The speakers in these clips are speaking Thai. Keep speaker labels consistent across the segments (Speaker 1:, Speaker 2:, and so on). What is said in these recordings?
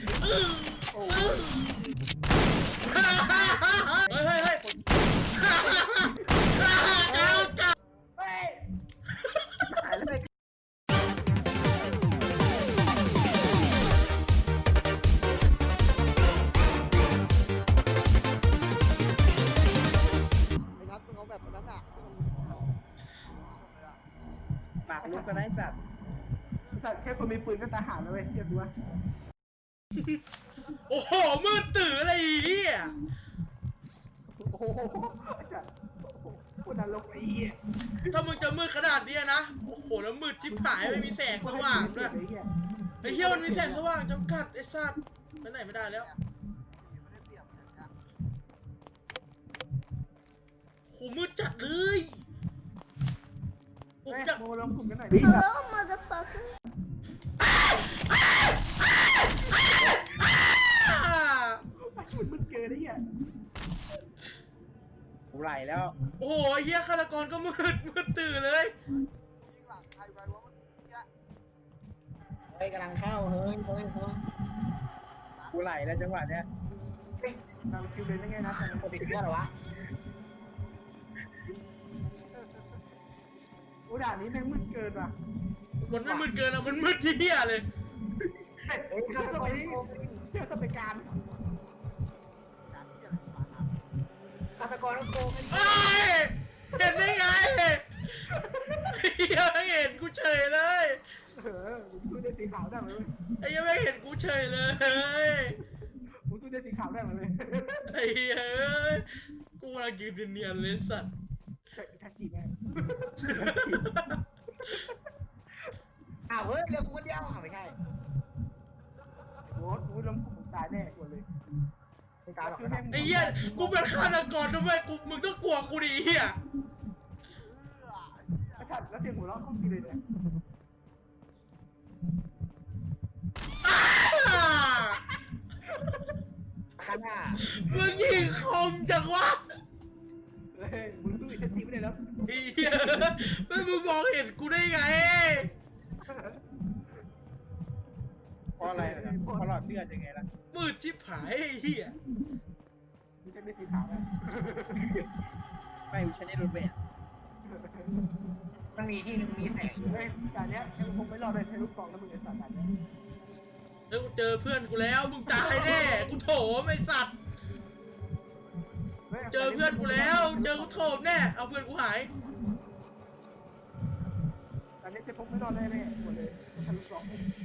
Speaker 1: โอ้
Speaker 2: เฮ้ยเฮ้ยเฮ้ย
Speaker 1: หายแล้วไอ้นัทมึงเอาแบบนั้นอ่ะปากลุกก็ได้สัตว์แค่คนมีปืนก็ตาหาแล้วเว้ยเทียบดูว่า
Speaker 2: โอ้โหมืดตื่นอะไรเหี้ย
Speaker 1: โอ้โหคนนรกไอ้เหี้ย
Speaker 2: ถ้ามึงจะมืดขนาดนี้นะโอ้โหแล้วมืดชิบหายไม่มีแสงสว่างด้วยไอ้เหี้ยมันมีแสงสว่างจำกัดไอ้สัตว์ไปไหนไม่ได้แล้วโหมืดจัดเลยผมจะ
Speaker 1: โมลงกลุ่มกันหน่อยดิ
Speaker 3: Hello, motherfucker.
Speaker 1: มันเกินไอ้เหี้ยกูไหลแล้ว
Speaker 2: โอ้โหเฮียฆาตกรก็มืดตื่นเลย
Speaker 1: เฮ้ยกำลังเข้าเฮ้ยกูไหลแล้วจังหวะเนี้ยนำคิวเลยได้ไงนะจะปิดเครื่องหรอวะโอ้ด่านนี้แม่งมืดเกินว่ะ
Speaker 2: มันไม่มืดเกินอะมันมืดที่เฮียเลย
Speaker 1: เฮ้ยเข้าไปเที่ยวสเปการฆาตกรต้องโกง
Speaker 2: เอ้ยเห็นได้ไงเฮียไม่เห็นกูเฉยเลย
Speaker 1: มึงสู้ได้สีขาวได้ไหม
Speaker 2: ไอ้ยังไม่เห็นกูเฉยเลย
Speaker 1: มึงสู้ได้สีขาวได้ไหม
Speaker 2: ไอ้เหี้ยเอ้ยกูกำลังยืนเนียนๆเลยสัตว์
Speaker 1: แท็กจีแม่อ้าวเฮ้ยเรือกูคนเดียวไม่ใช่โอ้โหล้มกูตายแน่กว่าเลย
Speaker 2: ไอ้เหี้ยกูเป็นฆาตกรทำไมมึงต้องกลัวกูดิเหี้ย
Speaker 1: ชัดแล้วเสียงหัวเราะเข้าทีเลยเนี่ย ข้างหน้า
Speaker 2: มึงยิงคมจังวะ
Speaker 1: เฮ้ยมึงสู้อีกทีไม่ได้แล้ว
Speaker 2: ไอ้เหี้ยแล้วมึงมองเห็นกูได้ไง
Speaker 1: เพราะอะไรนะเพราะหลอดเลือดยังไงล่ะ
Speaker 2: มืดชิบหายไอ้เหี้ย
Speaker 1: มึงจะได้สีขาวไหมไม่กูใช้ในรถเมล์มันมีที่นึงมีแสงเฮ้ยการเนี้ยไอ้พวกไม่รอดเลยใช้ลูกซองแล้วมึงไอ้สัตว์การเนี้ย
Speaker 2: แล้วกูเจอเพื่อนกูแล้วมึงตายแน่กูโถมไอ้สัตว์เจอเพื่อนกูแล้วเจอกูโถมแน่เอาเพื่อนกูหาย
Speaker 1: การเนี้ยจะพกไม่รอดแน่ๆหมดเลยใช้ลูกซอง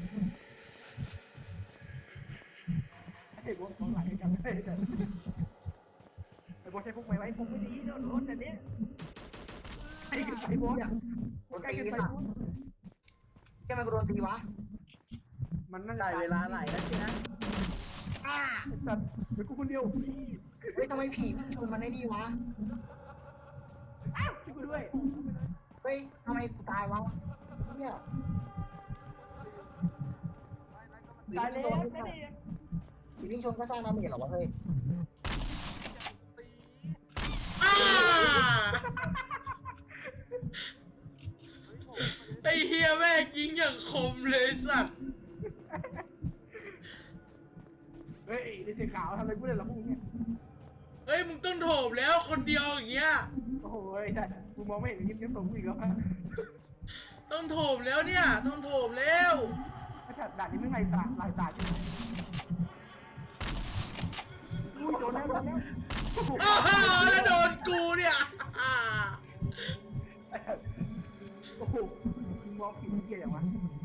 Speaker 1: ไอ้พวกของหลังไอ้กันไม่ได้ไอ้พวกใช้พวกไม่ไว้พวกไม่ดีโดนรถแต่เนี้ยไอ้กันไปพวกใกล้กันไปพวกแกมันก็โดนตีวะมันน่าจะเวลาไหลแล้วสินะสัตว์เป็นกูคนเดียวเฮ้ยทำไมผีชนมันได้ดีวะอ้าวช่วยกูด้วยเฮ้ยทำไมกูตายวะเนี่ยตายแล้วไม่ได้ผีวิ่งชนก็สร้างน้ำเหม็นหรอวะเฮ้ย
Speaker 2: อ้าไอ้เฮียแม่งยิงอย่างคมเลยสัตว์
Speaker 1: เฮ้ยในสีขาวทำไมกูเล่นหรอพวกนี้
Speaker 2: เฮ้ยมึงต้องโถมแล้วคนเดียวอย่างเงี้ย
Speaker 1: โอ้โหใช่กูมองไม่เห็นยิ้มยิ้มตรงกูอีกแล้ว
Speaker 2: ต้องโถมแล้วเนี่ยต้องโถมแล้ว
Speaker 1: ไอ้สัตว์ด่านนี้ไม่ลายตาจริงอุ้ยโดนแล้ว
Speaker 2: อ้าวแล้วโดนกูเนี่ย
Speaker 1: โอ้โหมองผิดเกียร์อย่างวะ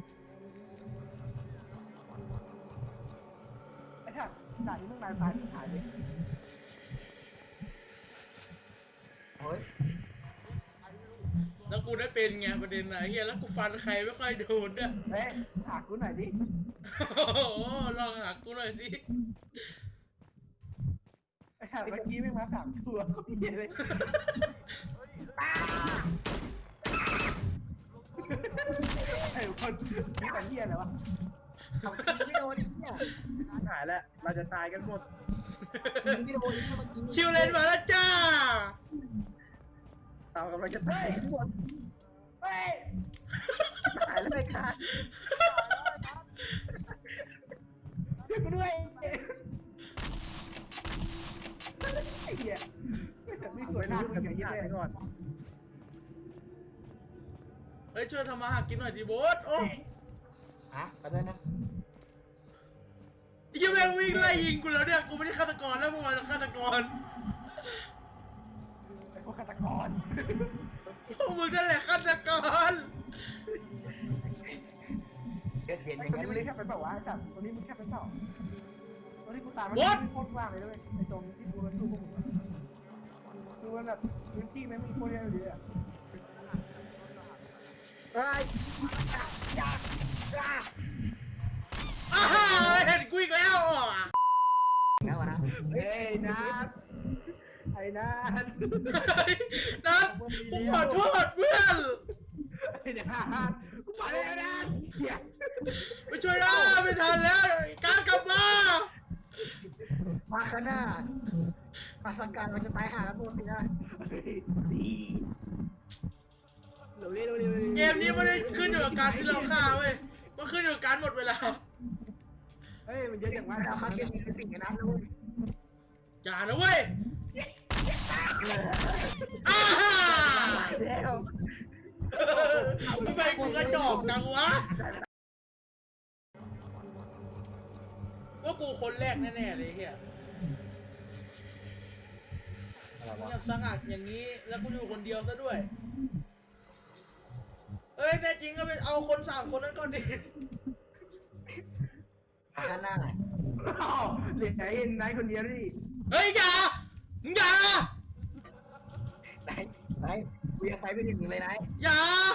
Speaker 1: ไอ้สัตว์ด่านนี้ไม่ลายตาที่หายเลยเฮ้ย
Speaker 2: แล้วกูได้เป็นไงประเด็นไหนเฮียแล้วกูฟันใครไม่ค่อยโดนด้วย
Speaker 1: เฮ้ยหากูหน่อยดิ
Speaker 2: โอ้โหลองหากูหน่อยสิ
Speaker 1: ไอ้สัตว์เมื่อกี้ไม่มา3 ตัวเขาเหี้ยเลยไอ้คนนี่แต่เหี้ยอะไรวะทำไม่โดนเนี่ยหายแล้วเราจะตายกันหมดไม่โดน
Speaker 2: คิวเลนมาแล้วจ้า
Speaker 1: เรากำลังจะตายกันหมดเฮ้ยหายแล้วไอ้ขาช่วยกูด้วยไอ้เหี้ยไม่แต่ไม่สวยหน้ามึงอย่างนี้เลยก่อน
Speaker 2: เฮ้ยช่วยทำมาหากินหน่อยดิโบสโอ้
Speaker 3: อ่ะไปด้วยนะ
Speaker 2: ยแม่งวิ่งไล่ยิงกูแล้วเนี่ยกูไม่ได้ฆาตกรแล้วมึงมาฆาตกร
Speaker 1: ไอ้พวกฆาตกร
Speaker 2: พวกมึงนั่นแหละฆาตกร
Speaker 3: เกิดเห็นอ
Speaker 1: ไอ้
Speaker 3: ย่าง
Speaker 1: ตัว
Speaker 3: นั้น
Speaker 1: นี้
Speaker 3: เล
Speaker 1: มึง
Speaker 3: ย
Speaker 1: แค่ไปบอกว่าจับตัวนี้มึงแค่ไปสอบตัวที่กูตามมันโคตรว่างเลยด้วยไอ้ตรงที่กูมันสู้พวกมึงคือมันแบบพื้นที่ไม่มีโคตรเยอะเลยอ่ะ
Speaker 3: เฮ้ยจ้าจ้า
Speaker 2: อ้าวเห็นกูอีกแล้วอ่ะ
Speaker 3: แล้วนะ
Speaker 1: เฮ้ยนัทไอ้นัท
Speaker 2: เฮ้ยนัทกูขอโทษเพื่อน
Speaker 1: ไอ้นัทกูมาเลยนัทเหี้ย
Speaker 2: ไปช่วยนะไม่ทันแล้วการกลับมา
Speaker 3: มาข้างหน้ามาสังการมันจะตายหาแล้วพวกนี้นะ
Speaker 1: ดีเร็ว
Speaker 2: เกมนี้ไม่ได้ขึ้นอยู่กับการที่เราฆ่าเว้ยมันขึ้นอยู่กับการหมดเวลา
Speaker 1: เฮ้ยมันเยอะอย่างว่า
Speaker 3: เราคาดเกมนี้เป็นสิ่งนั้นนะเว้ย
Speaker 2: อย่านะเว้ยอ้าฮ่า
Speaker 3: แล้ว
Speaker 2: ทำไมกูกระจอกจังวะว่ากูคนแรกแน่ๆเลยเฮียเงียบสงัดอย่างนี้แล้วกูอยู่คนเดียวซะด้วยเอ้ยแน่จริงก็ไปเอาคน3 คนนั้นก่อนดิ
Speaker 3: มาข้างหน้า
Speaker 1: เหลือไอ้นายคนเดียวนี่
Speaker 2: เฮ้ยอย่ามึงอย่า
Speaker 3: ไหนไหนกูยังไปไม่ถึงเลยนะ
Speaker 2: อย่า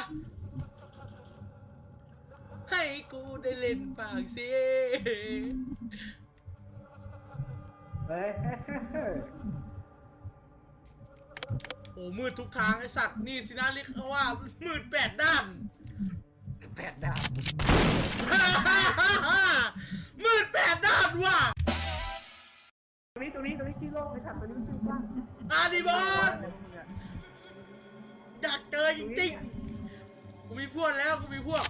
Speaker 2: ให้กูได้เล่นปากสิ
Speaker 1: เฮ้ย
Speaker 2: โอ้มืดทุกทางไอสัตว์นี่สินะเรียกเขาว่ามืด8 ด้าน
Speaker 3: แปดดาว
Speaker 2: มืด8 ด้านว่ะ
Speaker 1: ตรงนี้ที่โลกไปถัดตรงนี้ชื่อว่า
Speaker 2: อาดิบอลอยากเจอจริงๆกูมีพวกแล้วกูมีพวก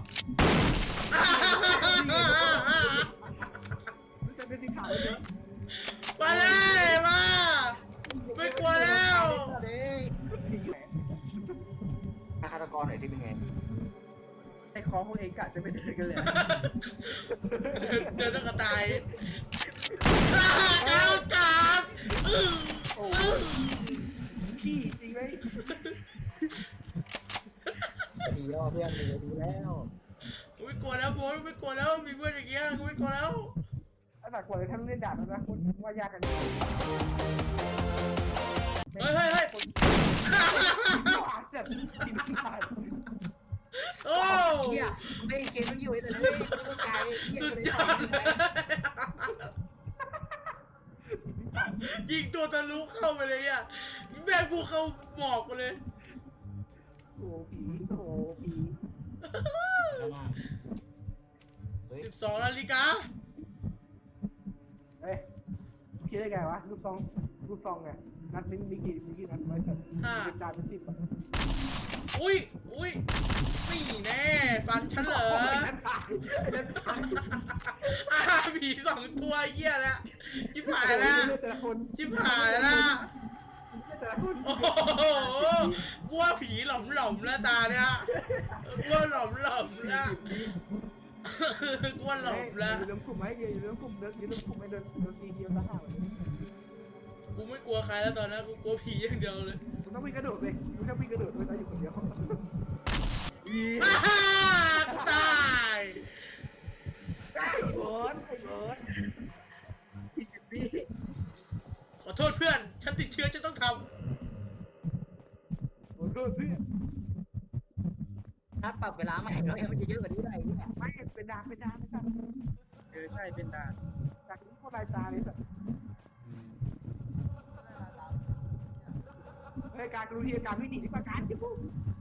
Speaker 1: จะเป็นสีขาวเลย
Speaker 2: มาเลยมาไม่กลัวแล้ว
Speaker 3: ฆาตกรหน่อยสิเป็นไง
Speaker 1: ไอ้คอพวกเองกะจะไปเดินกันเลย
Speaker 2: เดินกระต่ายก้าวกาด
Speaker 1: ขี้จริงไหม
Speaker 3: ดีแล้วเพื่อนดีแล้ว
Speaker 2: กูไม่กลัวแล้วโบ๊ทไม่กลัวแล้วมีเพื่อนอย่างเงี้ยกูไม่กลัวแล้ว
Speaker 1: ไอ้ฝากกดเลยท่านเล่นดาบนะคุณว่ายากกัน
Speaker 2: เฮ้ยเฮ้ยเฮ้ย
Speaker 1: เจ็บทีมขาด
Speaker 2: โอ้
Speaker 3: เฮียไม่เกมไม่อยู่เลยไม่ต้องใจเฮีย
Speaker 2: สุด
Speaker 3: เลย
Speaker 2: ยอดยิงตัวทะลุเข้าไปเลยอ่ะแม่งกูเข้าหมอกไปเลย
Speaker 1: โอ้ผีโอ้ผี
Speaker 2: 12 นาฬิกา
Speaker 1: เฮ้ยคิดได้ไงวะลูกซองไงนัดมีกี่นัดไว้เสร็จเป็นจานเป็น10
Speaker 2: อุ้ยนี่แน่ฟันฉันเหรอผี2 ตัวเหี้ยแล้วชิบหายแล้วชิบหายแล้ว
Speaker 1: แต่ละคน
Speaker 2: โอ้โหกลัวผีหล่อมแล้วตาเนี่ยกลัวหล่อมแล้วกลัวหล่อมแล้ว
Speaker 1: อยู่เรื่องกลุ่มไหมอยู่เรื่องกลุ่มไม่เดินตีเดียวซะห่า
Speaker 2: กูไม่กลัวใครแล้วตอนนั้นกูกลัวผีอย่างเดียวเลย
Speaker 1: คุณต้องวิ่งกระโดดเลยคุณแค่วิ่งกระโดดเลยอยู่คนเดียว
Speaker 2: กูตาย
Speaker 1: ไอ้เบิร์ด
Speaker 3: 20 ปี
Speaker 2: ขอโทษเพื่อนฉันติดเชื้อฉันต้องท
Speaker 1: โอ้โหเพื่อน
Speaker 3: ถ้าปรับเวลาใหม่แล้วมันจะเยอะกว่านี้ได้เนี่ย
Speaker 1: ไม่เป็นดาไม่สั่นใช่เป็นดาจากนี้โคตรลายตาเลยสัตว์เฮ้ยการรู้ที่การวิ่งหนีที่ประการที่ปุ๊บ